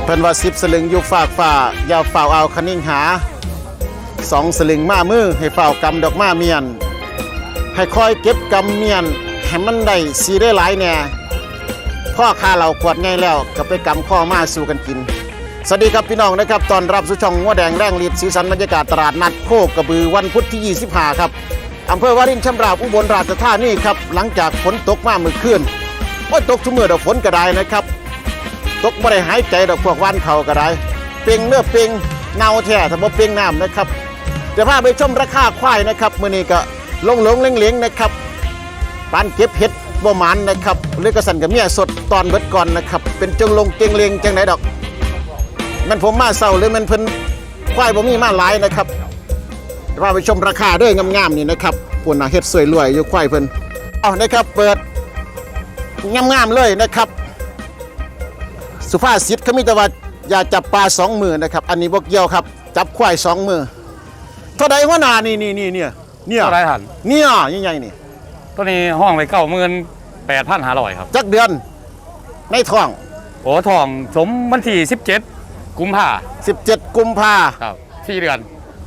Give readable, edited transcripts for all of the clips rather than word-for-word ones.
เพิ่นว่า10 สลึงอยู่ฝากฝ่าอย่าฝ่าเอาคนิ่งหา2 สลึงมามือให้ฝ่ากำดอกมาเมียนให้คอยเก็บกำเมียนให้มันได้สีได้หลายแน่พ่อค้าเราขวดไงแล้วก็ไปกำข้อมาสู่กันกินสวัสดีครับพี่น้องนะครับตอนรับสู่ช่องงัวแดงแรงฤทธิ์สีสันบรรยากาศตลาดนัดโคกระบือวันพุธที่25ครับอำเภอวารินชำราบอุบลราชธานีครับหลังจากฝนตกมาเมื่อคืนว่าตกทุกเมื่อดอกฝนก็ได้นะครับตกไม่ได้หายใจดอกพวกวันเขาก็ได้เป่งเนื้อเป่งเงาแท้ถ้าบ่เป่งน้ำนะครับเดี๋ยวพาไปชมราคาควายนะครับมื้อนี้ก็ลงเล้งๆนะครับปานเก็บเห็ดบ่หมานนะครับหรือกระสันกับเมียสดตอนเบิดก่อนนะครับเป็นจงลงเกงเลงจังไหนดอกมันผมมาเศร้าหรือมันเพิ่นควายบ่มีมาหลายนะครับพาไปชมราคาด้วยงามๆนี่นะครับปุ่นเฮ็ดสวยรวยอยู่ควายเพิ่นเอานะครับเปิดงามๆเลยนะครับสุภาษิตเขามีแต่ว่าอย่าจับปลา2 มือนะครับอันนี้บ่เกี่ยวครับจับควาย2 มือเท่าใดหัวหน้านี่เนี่ยเท่าไรหันเนี่ยใหญ่ๆนี่ตัวนี้ห้องไป98,500ครับจักเดือนในท้องโอ้ทองสมวันที่17 กุมภา 17 กุมภาครับ4 เดือน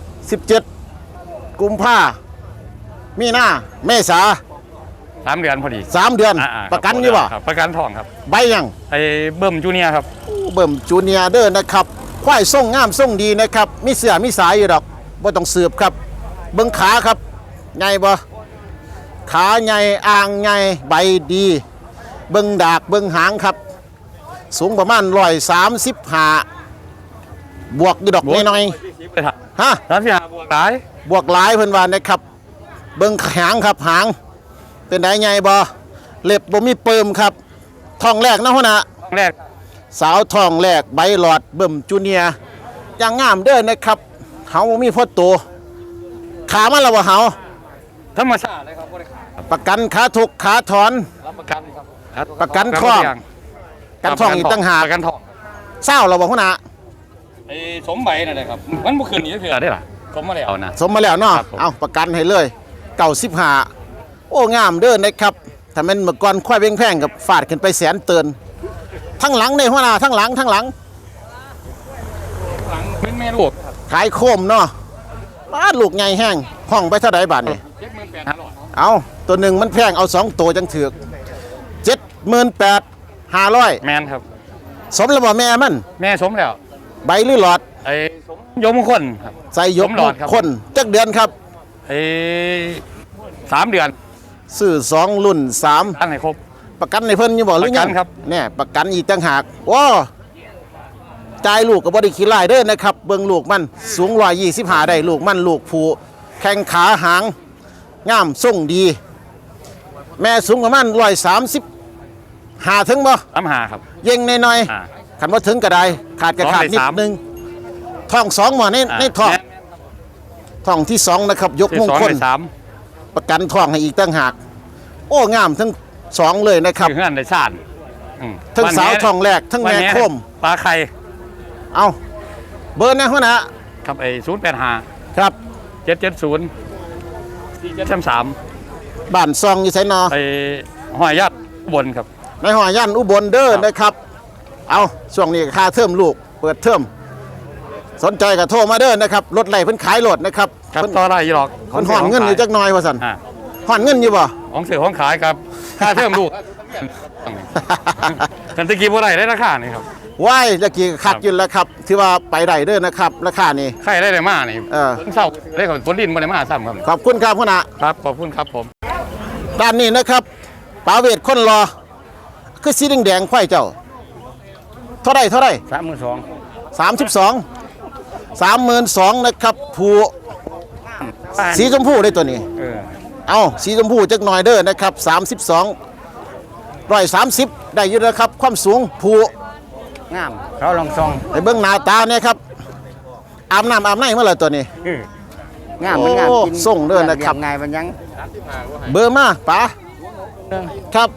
17 กุมภามีนาเมษา 3 เดือนพอดี 3 เดือนประกันอยู่บ่ประกันทองครับใบยังไอ้เบิ่มจูเนียร์ครับเบิ่มจูเนียร์เด้อนะครับควายส่งงามส่งดีนะครับมีเสื้อมีสายอยู่ดอกบ่ต้องสืบครับเบิ่งขาครับใหญ่บ่ขาใหญ่อ่างใหญ่ใบดีเบิ่งดากเบิ่งหางครับสูงประมาณ135บวกอยู่ดอกน้อยๆฮะบวกหลายเพิ่นว่านะครับเบิ่งหางครับหางเป็นได้ใหญ่บ่เล็บบ่มีเปิมครับท้องแรกนะหัวหน้าท้องแรกสาวท้องแรกใบหลอดเบิ่มจูเนียร์อย่างงามเด้อนะครับเฮามีพ่อโตขามันแล้วบ่เฮาธรรมชาติเลยครับบ่ได้ขาประกันขาทุกขาถอนรับประกันครับประกันท้องกันท้องอีกต่างหากประกันท้องเศร้าแล้วบ่หัวหน้าไอ้สมใบนั่นแหละครับมันบ่คืนนี้เถื่อได้ล่ะสมมาแล้วนะสมมาแล้วเนาะเอาประกันให้เลย95โอ้งามเด้อนะครับถ้ามันเมื่อก่อนควายแพงๆกับฟาดขึ้นไปแสนเตือนทั้งหลังในหัวหน้าทั้งหลังเป็นแม่ลูกขายโคมเนาะบ้านลูกใหญ่แห้งห้องไปเท่าใดบาทนี่ 78,500 เอาตัวหนึ่งมันแพงเอา2 ตัวจังถือก78,500 แมนครับสมแล้วบ่แม่มันแม่สมแล้วใบหรือหลอดไอ้สมยมมงคลครับใส่ยมมงคลจักเดือนครับไอ้3 เดือนซื้อ2 รุ่น3 อันไหนครบประกันในเพิ่นอยู่บ่หรือยังครับเนี่ยประกันอีกต่างหากว้าจ่ายลูกก็บ่ได้ขี้ลายเด้อนะครับเบิ่งลูกมันสูง125ได้ลูกมันลูกผู้แข้งขาหางงามทรงดีแม่สูงประมาณ135ถึงบ่ 35ครับเย็งน้อยๆคันบ่ถึงก็ได้ขาดก็ขาดนิดนึงท้อง2บ่ในท้องที่2นะครับยกมงคลประกันท้องให้อีกต่างหากโอ้งามทั้ง2เลยนะครับเฮือนได้ซ่านทั้งสาวท้องแรกทั้งแม่โคมปลาไข่เอาเบอร์นะหัวหน้าครับไอ้085 ครับ 770 4733 บ้านซองอยู่ไสนอไอ้ห้อยยัดอุบลครับในห้อยยันอุบลเด้อนะครับเอาช่วงนี้ค่าเทอมลูกเปิดเทอมสนใจก็โทรมาเด้อนะครับรถไหลเพิ่นขายรถนะครับเพิ่นต่อได้หรอกเพิ่นห่อนเงินอยู่จักหน่อยว่าซั่นห่อนเงินอยู่บ่ของซื้อของขายครับค่าเทอมลูกกันตะกี้บ่ได้ราคานี่ครับว้ายตะกี้คักอยู่แล้วครับที่ว่าไปได้เด้อนะครับราคานี่ใครได้มานี่เศร้าได้ของฝนดินบ่ได้มาซ้ำครับขอบคุณครับหัวหน้าครับขอบคุณครับผมด้านนี้นะครับป๋าเวทคนรอคือสีแดงๆไข่เจ้าเท่าไร32นะครับผู้สีชมพูได้ตัวนี้เอาสีชมพูจักหน่อยเด้อนะครับ130ได้อยู่นะครับความสูงผู้งามเขาลองซองไอ้เบิ้งหน้าตาเนี่ยครับอาบน้ำอาบในเมื่อไรตัวนี้งามมันงามกินส่งเด้อนะครับไงมันยังเบอร์มาป๋าครับ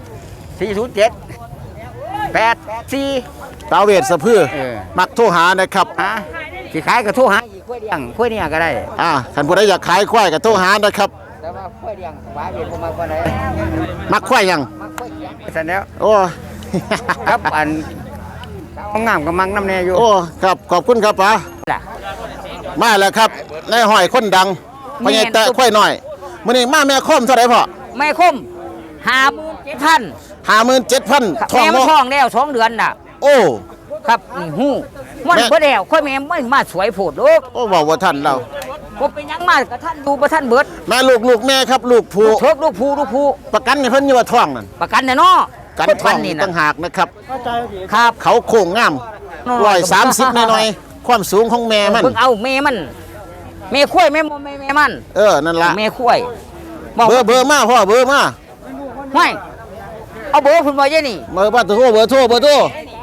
40784 ป๋าเวทสะพื้อมักโทรหานะครับสิขายก็โทรหาอีกค่อยเนี่ยก็ได้ท่านผู้ใดอยากขายควายก็โทรหานะครับแต่ว่าค่อยเลี้ยงป๋าเวทบ่มักบ่ได้มักควายยังมักควายเลี้ยงซั่นแล้วโอ้ครับอันงามกับมังน้ำแน่อยู่โอ้ครับขอบคุณครับป๋าล่ะมาแล้วครับนายห้อยคนดังพญายแตะค่อยหน่อยมื้อนี้มาแม่คมเท่าไหร่พ่อแม่คม57,000 57,000ทองแม่มันเนาะท้องแล้ว2 เดือนน่ะโอ้ครับนี่หู้มันแม่บ่แล้วค่อยแม่ไม่มาสวยโพดลูกโอ้บอกว่าท่านเราบ่เป็นหยังมากกับท่านดูบ่ท่านเบิดแม่ลูกแม่ครับลูกผู้เถิกลูกผู้ประกันให้เพิ่นอยู่ว่าท้องนั่นประกันแน่เนาะกันคนท้องนี่ต่านะงหากนะครับครับเขาโค้งงาม130หน่อยๆความสูงของแม่มันเพิ่งเอาแม่มันแม่ข้วยแม่มันนั่นล่ะแม่ข้วยเบอร์มาพ่อเบอร์มาห้อยเอาเบอร์คุณบ่เยนี่เบอร์โทรเบอร์โทร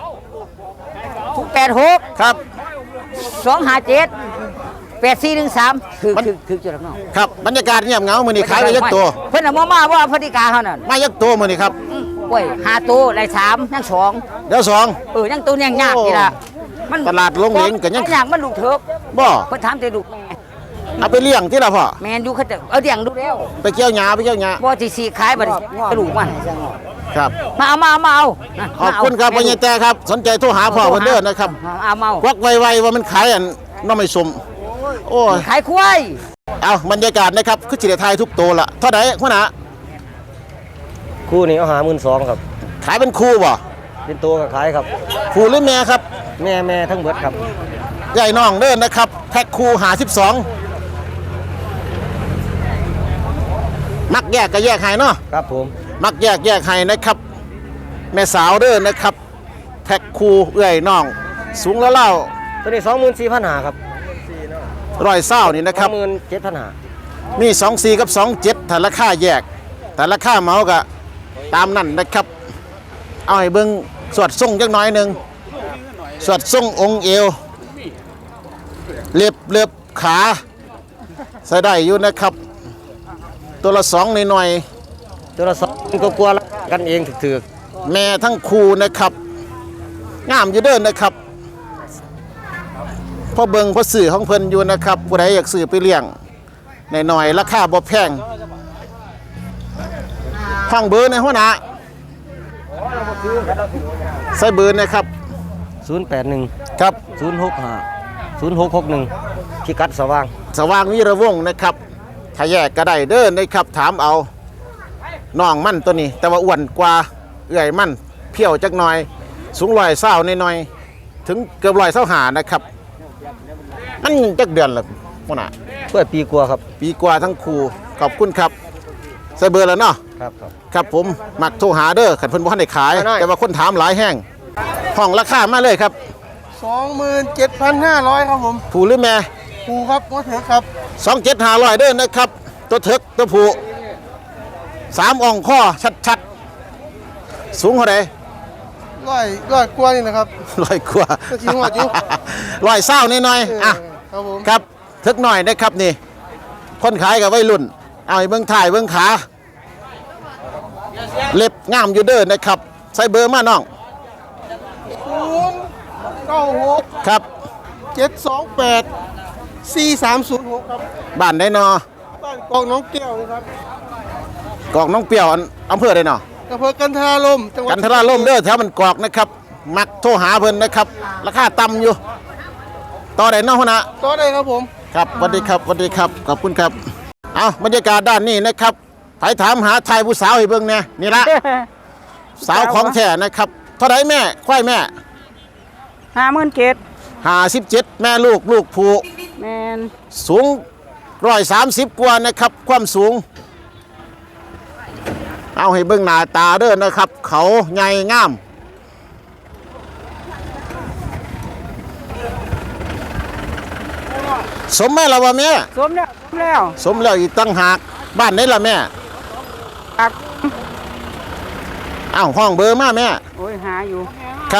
086 ครับ 257 8413คือจุดน้องครับบรรยากาศเงียบเหงามื้อนี้ขายไปยักตัวเพิ่นน่ะบ่มาว่าพฤติกาเฮานั่นมายักตัวมื้อนี้ครับโอ้ย5ตัวได้3ยัง2 เดี๋ยวสองยังตัวยังยากนี่ล่ะตลาดลงเหลงก็ยังยากมันลูกเถิกบ่เพิ่นถามแต่ลูกแม่เอาไปเลี้ยงที่ละพ่อแม่นอยู่เขาจะเอาเลี้ยงดูแล้วไปเกี่ยวหญ้าบ่สิสิขายบัดนี้กระดูกมันครับมาเอานั่นขอบคุณครับพญายแตครับสนใจโทรหาพ่อเพิ่นเด้อนะครับเอาควักไวๆว่ามันขายอันน้ำไม่สมโอ้ยขายควายเอาบรรยากาศนะครับคือสิได้ทายทุกตัวละเท่าใดหัวหน้าคู่นี้เอาหา12,000ครับขายเป็นคู่บ่เป็นตัวก็ขายครับคู่หรือแม่ครับแม่ทั้งเบิดครับใหญ่น้องเด้อนะครับแพ็คคู่52มักแยกก็แยกให้เนาะครับผมมักแยกให้นะครับ แม่สาวเด้อนะครับแพ็คคู่เอื้อยน้อง สูงแล้วเล่าตัวนี้24,500ครับ 120นี่นะครับ 27,500 มี24กับ27ถ้าราคาแยกแต่ราคาเหมาก็ตามนั่นนะครับ เอาให้เบิ่งสวดทรงจักหน่อยหนึงสวดทรงองค์เอวเล็บขาใส่ได้อยู่นะครับ ตัวละ2หน่อยตัวละ2ก็กลัวๆกันเองถึกๆแม่ทั้งคู่นะครับงามอยู่เด้อนะครับพ่อเบิงพ่อสื่อของเพิ่นอยู่นะครับผู้ใดอยากซื้อไปเลี้ยงหน่อยๆราคาบ่แพงฟังเบอร์ในหัวหน้าใส่เบอร์นะครับ 081 ครับ 065 0661พิกัดสว่างสว่างวีระวงศ์นะครับถ้าแยกก็ได้เด้อนะครับถามเอาน้องมั่นตัวนี้ แต่ว่าอ้วนกว่าเอื่อยมั่นเพี้ยวจักหน่อย สูง120หน่อยๆถึงเกือบ125นะครับมันจักเดือนละหัวหน้าเพื่อปีกว่าครับปีกว่าทั้งคู่ขอบคุณครับใส่เบอร์แล้วเนาะครับครับผมมักโทรหาเด้อขันเพิ่นบ่ทันได้ขายได้แต่ว่าคนถามหลายแห้งห้องราคามาเลยครับ 27,500 ครับผมผู้หรือแม่ครูครับก็เถอะครับ 27,500เด้อนะครับ ตัวเถิกตัวผู้3อ่องข้อชัดๆสูงเท่าใดร้อยกว่านี่นะครับ 100กว่าก็สิฮอดอยู่ 120นิดหน่อยๆอ่ะครับผมครับเถิกหน่อยนะครับนี่คนขายกับวัยรุ่นเอาให้เบิ่งถ่ายเบิ่งขาเล็บงามอยู่เด้อนะครับใส่เบอร์มาน้อง 096 ครับ 728 4306 ครับบ้านได้นอบ้านกองน้องแก้วนะครับกอกน้องเปรี้ยวอำเภอได้นออำเภอกันทราลมจังหวัดกันทราล่มเด้อแถวมันกอกนะครับ มักโทรหาเพิ่นนะครับ ราคาต่ำอยู่ ต่อได้เนอกหัวหน้าก็ได้ครับผมครับสวัสดีครับสวัสดีครับ ขอบคุณครับ เอาบรรยากาศด้านนี้นะครับไผถามหาไทยผู้สาวให้เบิ่งเนี่ยนี่ละ สาวของแท้นะครับ เท่าไหร่แม่ ควายแม่ 57,000 57แม่ลูกผู้แม่นสูง130กว่านะครับ ความสูง เอาให้เบิ่งหน้าตาเด้อนะครับ เขาใหญ่งาม สมแม่ละวะแม่สมแล้วสมแล้วอีกตั้งหากบ้านไหนล่ะแม่อักอ้าวห้องเบอร์มาแม่โอ้ยหาอยู่ครับ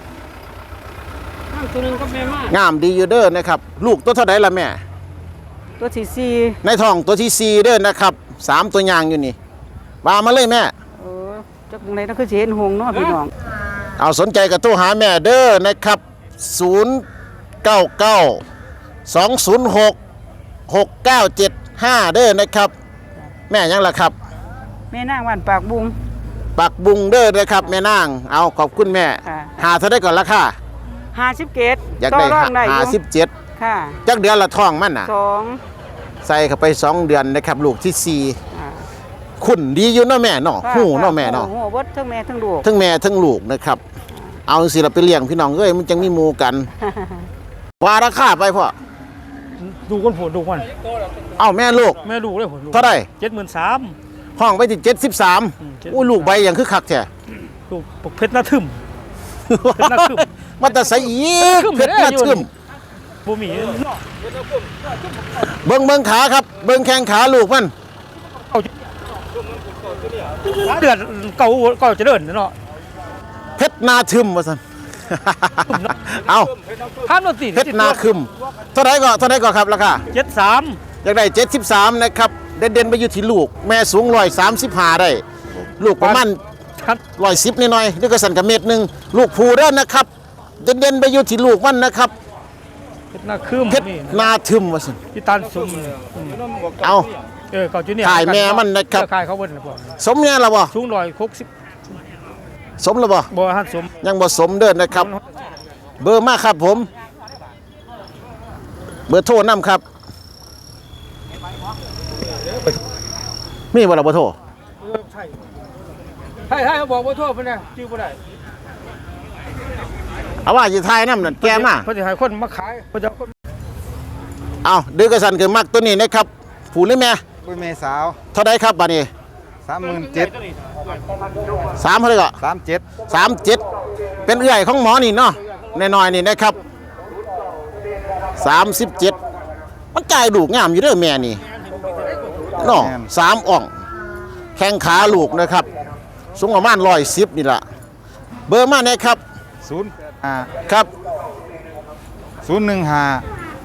ตัวนึงก็แม่มากงามดีอยู่เด้อนะครับ ลูกตัวเท่าไหร่ล่ะแม่ตัวที่ในท้องตัวที่ 4เด้อนะครับ3ตัวยางอยู่นี่ว่ามาเลยแม่ 4จักไหนนั่นคือสิเห็นหงส์เนาะพี่น้องเอาสนใจกับโทรหาแม่เด้อนะครับ 099 206 6975 เด้อนะครับ แม่ยังล่ะครับแม่นางวันปากบุงปักบุงเด้อนะครับแม่นางเอาขอบคุณแม่ค่ะหาเท่าได้ก่อนราคา 50เกตอยากได้ต่อรองได้อยู่ 57 ค่ะจักเดือนละท้องมันน่ะ 2 ใส่เข้าไป 2 เดือนนะครับลูกที่อ่า 4ขุนดีอยู่เนาะแม่เนาะหูเนาะแม่เนาะหูเบิดทั้งแม่ทั้งลูกทั้งแม่ทั้งลูกนะครับเอาสิเราไปเลี้ยงพี่น้องเอ้ยมันจังมีหมู่กันว่าราคาไปพ่อดูคนผลดูมันเอ้าแม่ลูกแม่ลูกเลยผลเท่าไหร่ 73,000 ห้องไปที่73อู้ลูกใบอย่างคือคักแท้ลูกปกเพชรหน้าทึม เพชรหน้าทึมมันแต่ใส่อีกเพชรหน้าทึมบ่มีเบิ่งขาครับเบิ่งแข้งขาลูกมันเดือนเก่าจะเดินเนาะเพชรนาทึมว่าซั่น เอาข้ามรถติดเพชรนาคึมเท่าไหร่ก็ครับราคา 73 อยากได้73นะครับเด่นๆไปอยู่ที่ลูกแม่สูง135ได้ลูกประมาณครับ 110นิดหน่อยนี่ก็สั่นกับเม็ดหนึงลูกผูเด้อนะครับเด่นๆไปอยู่ที่ลูกมันนะครับเพชรหน้าคึมเพชรนาทึมว่าซั่นพี่ตันซุ่มเอาเก่าจุเนี่ยขายแม่มันนะครับขายเขาเบิ่นบ่สมเนี่ยล่ะบ่สูง160 สมแล้วบ่บ่หันสมยังบ่สมเด้อนะครับ เบอร์มาครับผม เบอร์โทรนำครับ มีบ่ล่ะเบอร์โทรให้เขาบอกว่าโทษเพิ่นน่ะชื่อบ่ได้เอาว่าสิทายนำนั่นแกมาเพิ่นสิให้คนมาขายเพิ่นจะเอาคนเอาดื้อกระสันคือมักตัวนี้นะครับผู้หรือแม่ปุ้ยเมสาวเท่าใดครับบัดนี้ 37,000 3เท่าใดก็ 37 37เป็นเอื้อยของหมอนี่เนาะน้อยๆนี่นะครับ37มันจ่ายลูกงามอยู่เด้อแม่นี่เนาะ3อ่องแข้งขาลูกนะครับสูงประมาณ110นี่ล่ะเบอร์มาแน่ครับ 05 ครับ 015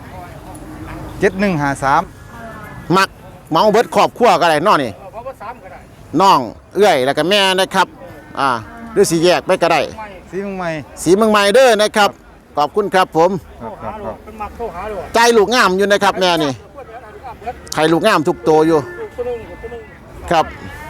7153 มักเมาเบิดครอบครัวก็ได้เนาะนี่น้องเอื้อยแล้วก็แม่นะครับหรือสิแยกไปก็ได้สีเมืองใหม่สีเมืองใหม่เด้อนะครับขอบคุณครับผมครับเป็นมักโทรหาด้วยใจลูกงามอยู่นะครับแม่นี่ไข่ลูกงามทุกตัวอยู่ครับ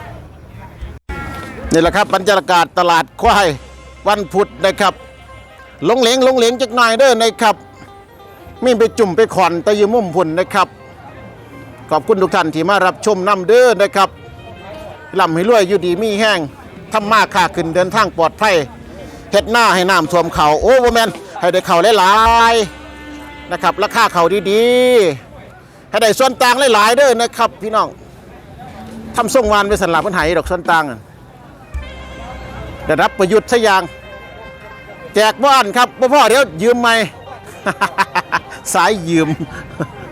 นี่แหละครับบรรยากาศตลาดควายวันพุธนะครับลงเหลงจักหน่อยเด้อนะครับมีไปจุ่มไปขอนตะยืมมุมพุ่นนะครับขอบคุณทุกท่านที่มารับชมน้ำเด้อนะครับล่ำให้รวยอยู่ดีมีแห้งทำมาค้าขึ้นเดินทางปลอดภัยเฮ็ดหน้าให้น้ำท่วมเขาโอ้บ่แม่นให้ได้เขาหลายๆนะครับราคาเขาดีๆให้ได้ส่วนต่างหลายๆเด้อนะครับพี่น้องทำส่งวานไปสันหลับเพิ่นให้ดอกส่วนต่างได้รับประยุทธ์ซะอย่างแจกบ้านครับพ่อเดี๋ยวยืมใหม่ สายยืม